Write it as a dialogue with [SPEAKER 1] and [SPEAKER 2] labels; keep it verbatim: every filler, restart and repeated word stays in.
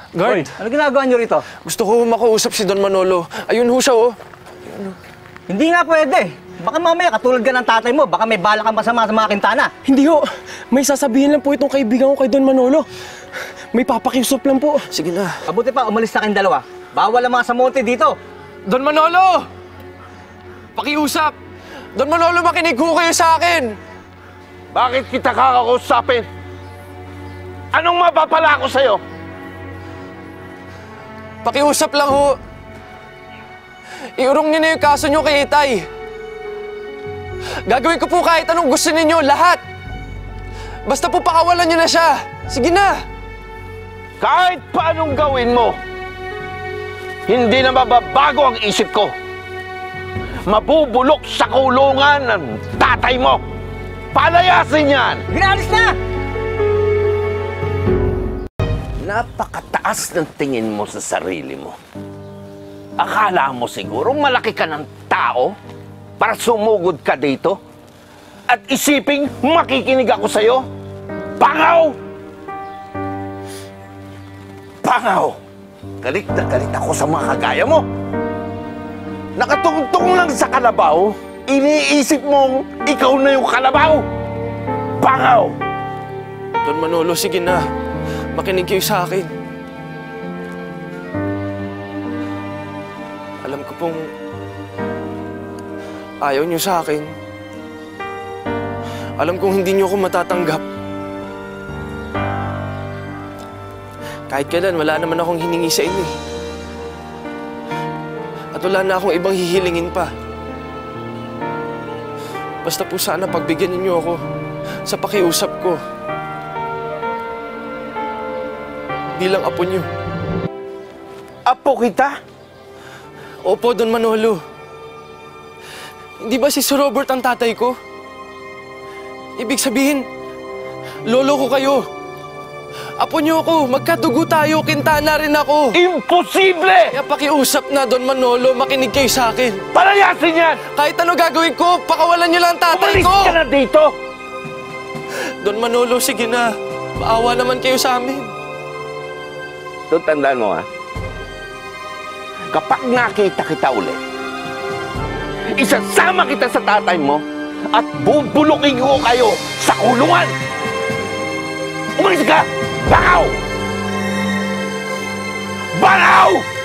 [SPEAKER 1] Guard!
[SPEAKER 2] Hoy, ano ginagawa niyo rito?
[SPEAKER 1] Gusto ko makausap si Don Manolo. Ayun ho siya, oh.
[SPEAKER 2] Hindi nga pwede. Baka mamaya katulad ka ng tatay mo, baka may bala kang masama sa mga kintana.
[SPEAKER 3] Hindi ho. May sasabihin lang po itong kaibigan ko kay Don Manolo. May papakiusap lang po.
[SPEAKER 1] Sige na.
[SPEAKER 2] Mabuti pa, umalis na kayong dalawa. Bawal ang mga samonte dito.
[SPEAKER 1] Don Manolo! Pakiusap! Don Manolo, makinig ho kayo sa akin!
[SPEAKER 4] Bakit kita kakausapin? Anong mapapala ko sa'yo?
[SPEAKER 1] Pakiusap lang ho. Iurong niyo na yung kaso niyo kay Itay. Gagawin ko po kahit anong gusto ninyo, lahat. Basta po pakawalan niyo na siya. Sige na.
[SPEAKER 4] Kahit paanong gawin mo, hindi na mababago ang isip ko. Mabubulok sa kulungan ng tatay mo. Palayasin yan!
[SPEAKER 2] Ginalis na!
[SPEAKER 4] Napakataas ng tingin mo sa sarili mo. Akala mo siguro malaki ka ng tao para sumugod ka dito? At isiping makikinig ako sa'yo? Pangaw! Pangaw! Galit na galit ako sa mga kagaya mo. Nakatungtong lang sa kalabaw, iniisip mong ikaw na yung kalabaw. Pangaw!
[SPEAKER 1] Don Manolo, sige na. Makinig kayo sa akin. Alam ko pong ayaw niyo sa akin. Alam kong hindi niyo ako matatanggap. Kahit kailan, wala naman akong hiningi sa inyo eh. At wala na akong ibang hihilingin pa. Basta po sana pagbigyan ninyo ako sa pakiusap ko. Bilang apo niyo.
[SPEAKER 4] Apo kita?
[SPEAKER 1] Opo, Don Manolo. Hindi ba si Sir Robert ang tatay ko? Ibig sabihin, lolo ko kayo. Apo niyo ako, magkadugo tayo, kintana rin ako.
[SPEAKER 4] Imposible!
[SPEAKER 1] Kaya pakiusap na, Don Manolo, makinig kayo sa akin.
[SPEAKER 4] Palayasin yan!
[SPEAKER 1] Kahit ano gagawin ko, pakawalan niyo lang ang tatay
[SPEAKER 4] Umalis
[SPEAKER 1] ko!
[SPEAKER 4] ka na dito!
[SPEAKER 1] Don Manolo, sige na. Maawa naman kayo sa amin.
[SPEAKER 4] Ito, tandaan mo ha. Kapag nakita kita ulit, isasama kita sa tatay mo at bubulukin ko kayo sa kulungan! Umalis ka! Bakaw! Bakaw!